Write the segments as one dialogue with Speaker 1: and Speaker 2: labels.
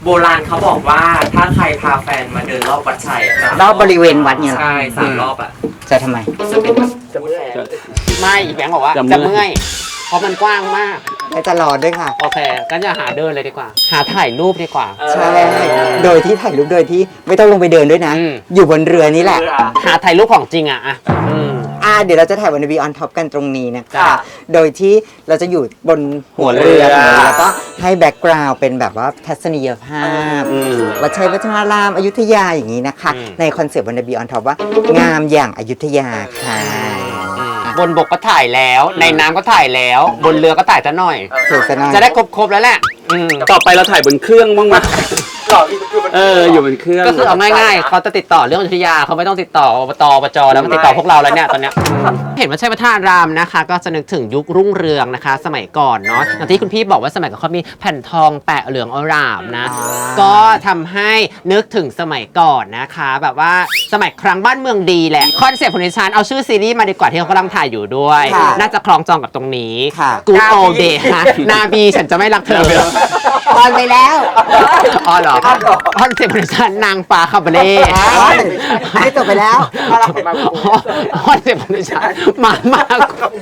Speaker 1: โบราณเขาบอกว่าถ้าใครพาแฟนมาเดินรอบวัดชัย
Speaker 2: รอบบริเวณวัดเนี่ย
Speaker 1: ใช่3 รอบอ่ะ
Speaker 2: จะทำไม
Speaker 1: จะเป็นแบบจะเมื่อย
Speaker 3: ไม่อีแบงค์บอกว่าจะเมื่อยเพราะมันกว้างมาก
Speaker 2: และจะรอด้วยค่ะ
Speaker 3: โอเคก็จะหาเดินเลยดีกว่า หาถ่ายรูปดีกว่า
Speaker 2: ใช่ โดยที่ถ่ายรูปโดยที่ไม่ต้องลงไปเดินด้วยนะ อยู่บนเรือนี่แหละ
Speaker 3: หาถ่ายรูปของจริงอ่ะ
Speaker 2: เดี๋ยวเราจะถ่ายวันบีออนท็อปกันตรงนี้นะคะ
Speaker 3: จ้ะ
Speaker 2: โดยที่เราจะอยู่บนหัวเรือแล้วก็ให้แบ็กกราวด์เป็นแบบว่าทัศนียภาพวัดชัยวัฒนารามอยุธยาอย่างนี้นะคะ ในคอนเซปต์วันบีออนท็อปว่างามอย่างอยุธยาค่ะ
Speaker 3: บนบกก็ถ่ายแล้ว ในน้ำก็ถ่ายแล้ว บนเรือก็ถ่ายซะหน่อย
Speaker 2: สวยสนาน
Speaker 3: จะได้ครบแล้วแหละ
Speaker 4: ต่อไปเราถ่ายบนเครื่องบ้างไหมอยู่บนเครื่อง
Speaker 3: ก็คือเอาง่ายๆเขาจะติดต่อเรื่องอยุธยาเขาไม่ต้องติดต่ออบตอบจแล้วมันติดต่อพวกเราแล้วเนี่ยตอนเนี้ยเห็นว่าใช่พระธาตุรามนะคะ ก็จะนึกถึงยุครุ่งเรืองนะคะ สมัยก่อนเนาะอย่างที่คุณพี่บอกว่าสมัยก่อนเขามีแผ่นทองแปะเหลืองอร่ามนะก็ทำให้นึกถึงสมัยก่อนนะคะ แบบว่าสมัยครั้งบ้านเมืองดีแหละคอนเซ็ปต์ของดิฉันเอาชื่อซีรีส์มาดีกว่าที่เขากำลังถ่ายอยู่ด้วย น่าจะคล้องจองกับตรงนี้ Good Old Day ค่ะนาบีฉันจะไม่รักเธอ
Speaker 2: ตอนไปแล้ว
Speaker 3: อ๋อเหรอคอนเซ็ปต์ของฉันนางฟ้าคาบาเล่
Speaker 2: ไม่จบไปแล้ว
Speaker 3: คอนเซ็ปต์ของฉันมามาก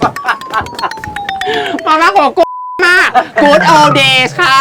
Speaker 3: กว่ากูมาก Good Old Days ค่ะ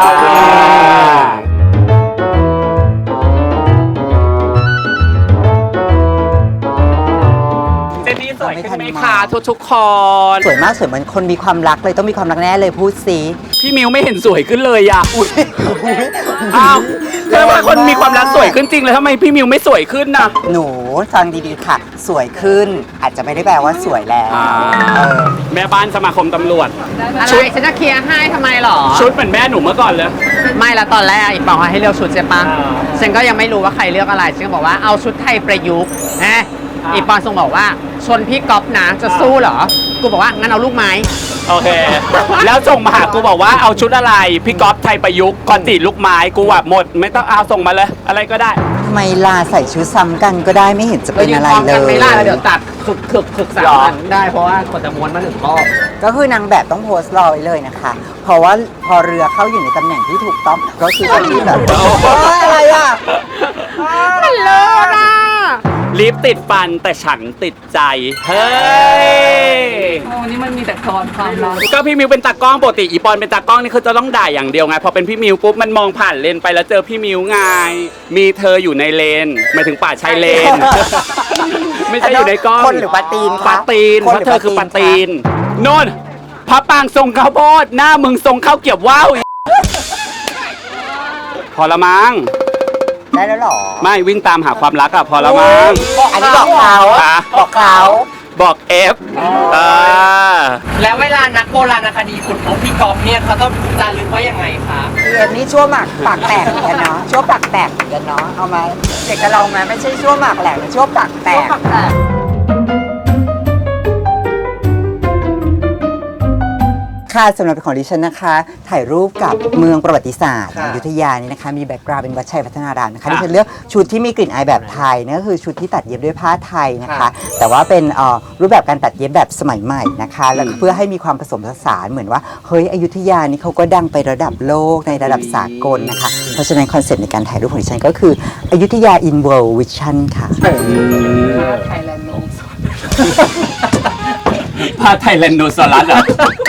Speaker 4: เจนนี่สวยขึ้นไหมคะทุกคน
Speaker 2: สวยมากสวยเหมือนคนมีความรักเลยต้องมีความรักแน่เลยพูดสิ
Speaker 4: พี่มิวไม่เห็นสวยขึ้นเลยอ่ะอ้าวถ้าว่าคนมีความรักสวยขึ้นจริงเลยทำไมพี่มิวไม่สวยขึ้นน่ะ
Speaker 2: หนูฟังดีๆค่ะ สวยขึ้นอาจจะไม่ได้แปลว่าสวยแล้ว
Speaker 4: แม่บ้านสมาคมตำรวจ
Speaker 3: อะไรฉันจะเคลียร์ให้ทำไมหรอ
Speaker 4: ชุดเหมือนแม่หนูเมื่อก่อนเลย
Speaker 3: ไม่ละตอนแรกอีกบอกให้เลือกชุดใช่ปะฉันก็ยังไม่รู้ว่าใครเลือกอะไรฉันก็บอกว่าเอาชุดไทยประยุกต์นะอีปอนส่งบอกว่าชนพี่ก๊อฟนะจะสู้เหรอ กูบอกว่างั้นเอาลูกไม้
Speaker 4: โอเค แล้วส่งมาหากูบอกว่าเอาชุดอะไรพี่ก๊อฟไทยประยุกต์กอนตีลูกไม้กูว่าหมดไม่ต้องเอาส่งมาเลย อะไรก็ได้
Speaker 2: ทำไมลาใส่ชุดซ้ำกันก็ได้ไม่เห็นจะเป็นอะไรเล
Speaker 3: กัน
Speaker 2: ย
Speaker 3: ไม่ล่าแล้วเดี๋ยวตัดคึกสามอันได้เพราะว่ากดจะม้วนมา1 รอบ
Speaker 2: ก็คือนางแบบต้องโพสต์รอไว้เลยนะคะ เพราะว่าพอเรือเข้าอยู่ในตำแหน่งที่ถูกต้องก็คือคนที่แบบอะไรอ่ะ
Speaker 3: มันเลิศอ่ะ
Speaker 4: ลิปติดฟันแต่ฉันติดใจ เฮ้ย
Speaker 5: โอ้นี่มันมีแต่ตอนความรัก
Speaker 4: ก็พี่มิวเป็นตากล้องปกติอีปอนเป็นตากล้องนี่คือจะต้องด่าอย่างเดียวไงพอเป็นพี่มิวปุ๊บมันมองผ่านเลนไปแล้วเจอพี่มิวไงมีเธออยู่ในเลนหมายถึงป่าชายเลน ไม่ใช่อยู่ในกล้อง
Speaker 2: คนหรือปลาตีนคะ
Speaker 4: ปลาตีนเพราะเธอคือปลาตีนโน่นพระปางทรงข้าวโพดหน้ามึงทรงข้าวเกรี๊ยวว่าวอีพอละมั้ง
Speaker 2: ได้แล้วหรอ
Speaker 4: ไม่วิ่งตามหาความรักอะพอละมั้ง
Speaker 2: อันนี้บอกเขา
Speaker 4: ค่ะ
Speaker 2: บอกเขา
Speaker 4: บอกเอฟ
Speaker 1: แล้วเวลานักโบราณคดีขุดพบพี่ก๊อฟเนี่ยเขาต้องจารึกว่ายังไงคะ
Speaker 2: เอ็มนี่ชั่วหมากปากแตกเหมือนกันเนาะชั่วปากแตกเหมือนกันเนาะเอามาเด็กกับเราไหมไม่ใช่ชั่วหมากแหลกแต่ชั่วปากแตกค่ะสำหรับของดิฉันนะคะ ถ่ายรูปกับเมืองประวัติศาสตร์อยุธยานี่นะคะมีแบ็กกราวด์เป็นวัดชัยพัฒนารามนะคะดิฉันเลือกชุดที่มีกลิ่นอายแบบไทยนั่นก็คือชุดที่ตัดเย็บด้วยผ้าไทยนะคะ แต่ว่าเป็นรูปแบบการตัดเย็บแบบสมัยใหม่นะคะแล้วเพื่อให้มีความผสมผสานเหมือนว่าเฮ้ยอยุธยานี่เขาก็ดังไประดับโลกในระดับสากลนะคะเพราะฉะนั้นคอนเซ็ปต์ในการถ่ายรูปของดิฉันก็คืออยุธยา in world vision ค่ะ
Speaker 4: พาไทยแลนโนซอรัสอะ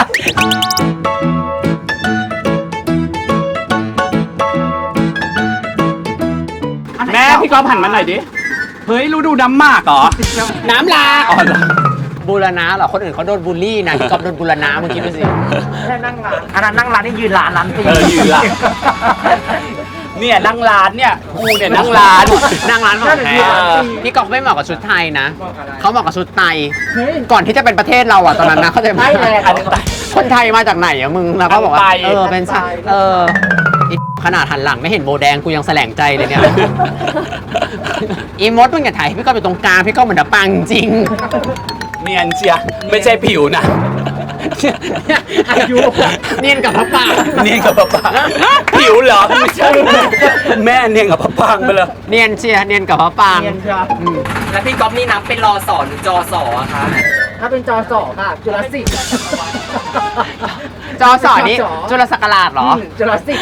Speaker 4: แม่พี่ก๊อฟหันมาหน่อยดิ เฮ้ยรู้ดูน้ำหมากเหรอ
Speaker 3: น้ำลา
Speaker 4: อ๋อเหรอ
Speaker 3: บูรณะเหรอคนอื่นเขาโดนบูลลี่นะพี่ก๊อฟโดนบูรณะเมื่อกี้ดูสิ
Speaker 1: อันนั้นนั่งร้านนี่ยืนร้านตี
Speaker 4: ยืนละเนี่ยนั่งร้านเนี่ยกูเนี่ยนั่งร้าน
Speaker 3: นั่งร้านของแท้พี่ก๊อฟไม่เหมาะกับชุดไทยนะเขาเหมาะกับชุดไทยก่อนที่จะเป็นประเทศเราอ่ะตอนนั้นนะเขาใจไหมคนไทยมาจากไหนอะมึงแล้วก็บอกว่าเป็นชาขนาดหันหลังไม่เห็นโบแดงกูยังแสลงใจเลยเนี่ยอีมดมึงอย่าถ่ายพี่ก๊อฟอยู่ตรงกลางพี่ก๊อฟเหมือนดับปังจริง
Speaker 4: เนียนเชียไม่ใช่ผิวนะ
Speaker 3: อายุเนียนกับพระป่า
Speaker 4: เนียนกับปะปางผิวเหรอไม่ใช่แม่เนียนกับปะปางไปเลย
Speaker 3: เนียนเชียร์เนียนกับพระปาง
Speaker 1: แล้วพี่ก๊อฟนี่นับเป็นรอสอหรือจอสออะคะ
Speaker 5: ถ้าเป็นจอสอค่ะจุลศิษย์
Speaker 3: จอสอนี่จุลศักราชเหรอ
Speaker 1: จุลศิษย์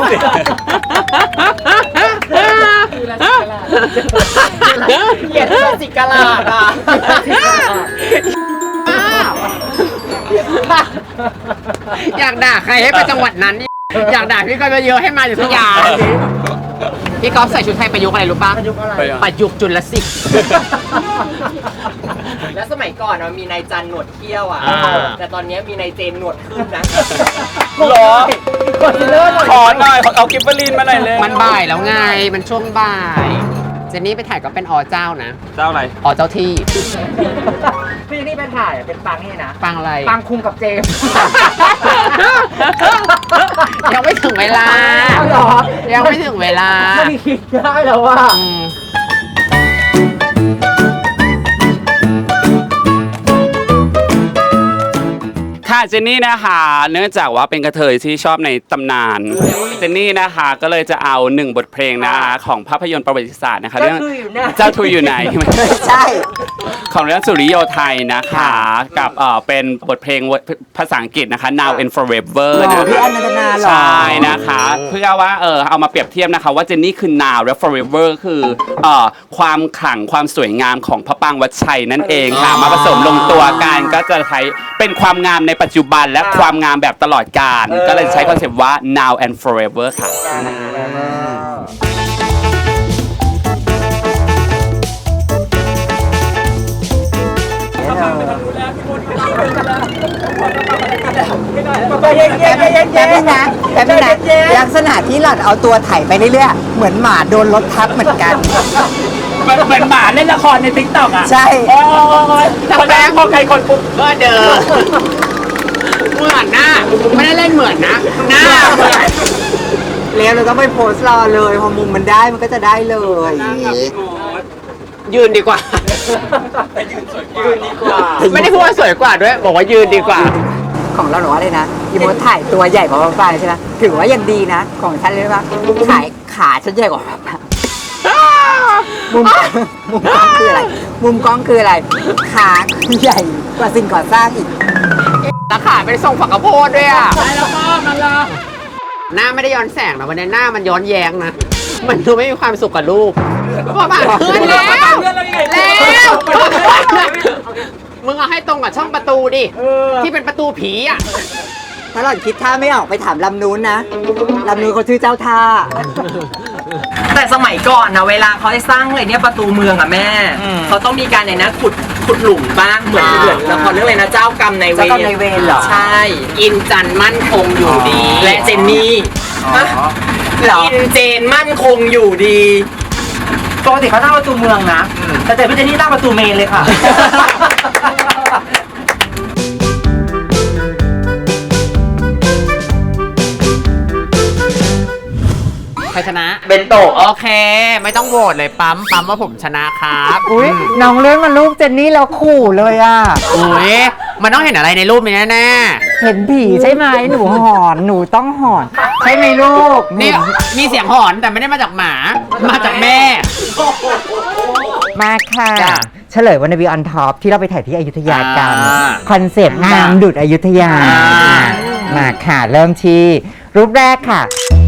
Speaker 1: เหยียดจุลศิษย์กะลาดอ่ะ
Speaker 3: อยากด่าใครให้ไปจังหวัดนั้น อยากด่าพี่ก็เยอะให้มาอยู่ทุกอย่างพี่ก๊อฟใส่ชุดไทยประยุกต์อะไรรู้ป่ะประยุกต์จุลศิษย์
Speaker 1: แล้วสมัยก่อนมันมีนายจันหนวดเขี้ยวอ่ะ แต่ตอนนี้มีนายเจนหนวดขึ้นนะ
Speaker 4: หรอขอหน่อยเอากิฟเฟอรีนมาหน่อยเลย
Speaker 3: มันบ่ายแล้วไง มันช่วงบ่าย เจนนี่ไปถ่ายก็เป็นอเจ้านะ
Speaker 4: เจ้าอะไร
Speaker 3: อเจ้าที่
Speaker 1: พี่นี่ไปถ่ายเป็นปังนี่นะ
Speaker 3: ปังอะไร
Speaker 1: ปังคุมกับเจมส์
Speaker 3: ยังไม่ถึงเวลา
Speaker 1: เหรอ
Speaker 3: ยังไม่ถึงเวลา
Speaker 1: ไม่คิดได้แล้วว่า
Speaker 3: อืม
Speaker 4: ค่ะเจนนี่นะคะเนื่องจากว่าเป็นกระเทยที่ชอบในตำนานเจนนี่นะคะก็เลยจะเอา1บทเพลงนะคะของภาพยนตร์ประวัติศาสตร์นะคะเรื่องเจ้าทุยอยู่ไหน
Speaker 2: ใช่
Speaker 4: ของเรื่องสุริโยไทยนะคะกับเป็นบทเพลงภาษาอังกฤษนะคะ Now and Forever
Speaker 2: หรอ
Speaker 4: นะ
Speaker 2: พี่
Speaker 4: คะ
Speaker 2: อันนันทนาเหรอ
Speaker 4: ใช่นะคะเพื่อว่าเอามาเปรียบเทียบนะคะว่าเจนนี่คือ Now และ Forever คือความขลังความสวยงามของพระปรางวัดชัยนั่นเองค่ะมาผสมลงตัวกันก็จะใช้เป็นความงามในปัจจุบันและความงามแบบตลอดกาลก็เลยใช้คอนเซปต์ว่า Now and Forever ค่ะ
Speaker 2: แต่พี่นะลักษณะที่หลัดเอาตัวไถไปเรื่อยๆ เหมือนหมาโดนรถทับเหมือนกัน
Speaker 4: เหมือนหมาเล่นละครในติ๊กต็อกอ่ะ
Speaker 2: ใช่
Speaker 4: คนแรกพอใครคนปุ๊บ
Speaker 3: ก็เดิมเหมือนหน้า ไม่ได้เล่นเหมือนนะ หน้าเหมือน
Speaker 2: แล้วเราต้องไปโพสต์รอเลยพอมุมมันได้มันก็จะได้เลย
Speaker 3: ยืนดีกว่า ไม่ได้พูดว่าสวยกว่าด้วย บอกว่ายืนดีกว่า
Speaker 2: ของเราหนูว่าเลยนะอีโมถ่ายตัวใหญ่กว่าป้าใช่ไหมถือว่ายังดีนะ ของฉันเลยว่าขายขาฉันใหญ่กว่าป้ามุมกล้องคืออะไร มุมกล้องคืออะไร ขาใหญ่กว่าสิ่งก่อสร้างอีก
Speaker 3: ตาขาเป็นทรงฝักกระโพดด้วยอ่ะแล้วก็มันละหน้าไม่ได้ย้อนแสงนะวันนี้หน้ามันย้อนแย้งนะ มันดูไม่มีความสุขกับรูปพอมาขึ้นแล้วมึงเอาให้ตรงกับช่องประตูดิ ที่เป็นประตูผีอ่ะ
Speaker 2: ถ้าหล่อนคิดท่าไม่ออกไปถามลำนู้นนะลำนู้นเขาชื่อเจ้าท่า
Speaker 1: แต่สมัยก่อนนะเวลาเขาได้สร้างอะไรเนี่ยประตูเมืองอะแม่ เขาต้องมีการในนะขุดหลุมบ้างเหมือนละครเรื่องอะไรนะเจ้ากรรมนายเวร
Speaker 2: เจ้ากรรมนายเวรเหรอ
Speaker 1: ใช่
Speaker 3: อินจันทร์มั่นคงอยู่ดี
Speaker 1: และเจนนี่อินเจนมั่นคงอยู่ดีปกติเขาตั้งประตูเมืองนะแต่พี่เจนนี่ตั้งประตูเมนเลยค่ะ
Speaker 3: ใครชนะ
Speaker 1: เบนโตะ
Speaker 3: โอเค ไม่ต้องโหวตเลยปั๊มว่าผมชนะครับ
Speaker 2: อุ้ยน้องเลื่อนมารูปเจนนี่แล้วขู่เลยอ่ะ
Speaker 3: อุ้ยมันต้องเห็นอะไรในรูปนี้แน่
Speaker 2: เห็นผีใช่ไหมหนูหอนหนูต้องหอนใช่ไหมลูก
Speaker 3: ๆนี่มีเสียงหอนแต่ไม่ได้มาจากหมา มาจากแม่
Speaker 2: มาค่ะ
Speaker 3: จ้ะ
Speaker 2: เฉลยวันนบีออนท็อปที่เราไปถ่ายที่อยุธยากัน
Speaker 3: อ่า
Speaker 2: คอนเซปต์งามดุดอยุธยา
Speaker 3: อ่า
Speaker 2: มาค่ะ เริ่มที่รูปแรกค่ะ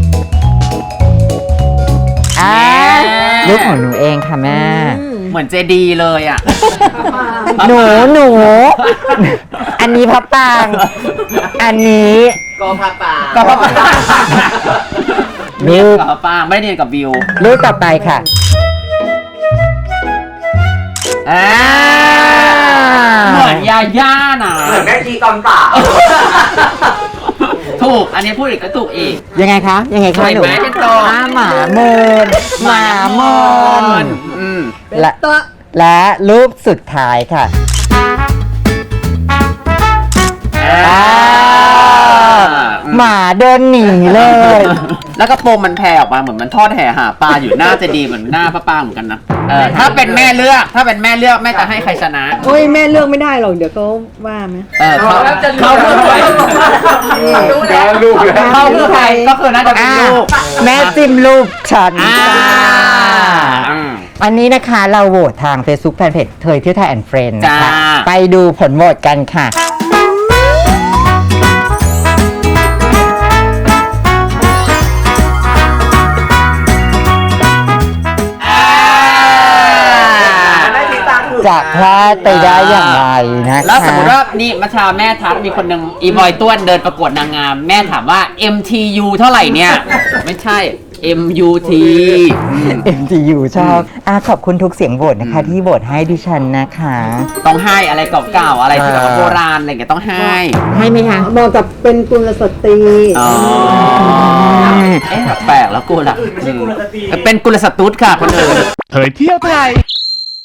Speaker 2: รูปของหนูเองค่ะแม่
Speaker 3: เหมือนเจดีเลยอ่ะ
Speaker 2: หนู อันนี้พระปราง อันนี้
Speaker 1: ก็พาป่า
Speaker 2: ก็พระปราง
Speaker 3: เนีย
Speaker 2: รู
Speaker 3: น
Speaker 2: ป
Speaker 3: กับป้างไม่ได้เนียนกับวิว
Speaker 2: รูปต่อไปค่ะ
Speaker 3: เหมือนยาย่าน่ะ
Speaker 1: เหมือนแม่ชีตอนป่า
Speaker 3: ถูก อันนี้พูดอีกก็ถูกอีก
Speaker 2: ยังไงคะยังไงคะ
Speaker 3: เห็น
Speaker 2: หนู
Speaker 3: ไหมเป็นตัว
Speaker 2: หมาเมินหมาเมิน
Speaker 3: อืม
Speaker 2: และรูปสุดท้ายค่ะ หมาเดินหนีเลย
Speaker 3: แล้วก็โปรงมันแผ่ออกมาเหมือนมันทอดแห่หาปลาอยู่หน้าจะดีเหมือนหน้าพระปางเหมือนกันนะถ้าเป็นแม่เลือกแม่จะให้ใครชนะ
Speaker 5: โอ้ยแม่เลือกไม่ได้หรอกเดี๋ยวเขาว่าไหม
Speaker 3: เขาคือใครเขาคือใครก็คือน่าจะเป็นลูก
Speaker 2: แม่จิ้มรูปฉัน
Speaker 3: อืม
Speaker 2: อันนี้นะคะเราโหวตทาง Facebook Fanpage เทยเที่ยวไทยแอนด์เฟรนด์นะคะ
Speaker 3: จ้า
Speaker 2: ไปดูผลโหวตกันค่ะจะพลาดไปได้อย่างไรนะคะ
Speaker 3: แล้วสมมติว่านี่มาชาแม่ทักมีคนหนึ่งอีบอยต้วนเดินประกวดนางงาม แม่ถามว่า MTU เท่าไหร่เนี่ย ไม่ใช่ MUT
Speaker 2: MTU ชอบขอบคุณทุกเสียงโหวตนะคะที่โหวตให้ดิฉันนะคะ
Speaker 3: ต้องให้อะไรเก่าๆอะไรที่แบบว่าโบราณอะไรอย่างเงี้ยต้องให้
Speaker 2: ให้ไหมคะ
Speaker 5: เหมาะกับเป็นกุลสตรี
Speaker 3: อ๋อแปลกแล้วกูล่ะเป็นกุลสตุดค่ะคนอื่น
Speaker 6: เผยเที่ยวไทย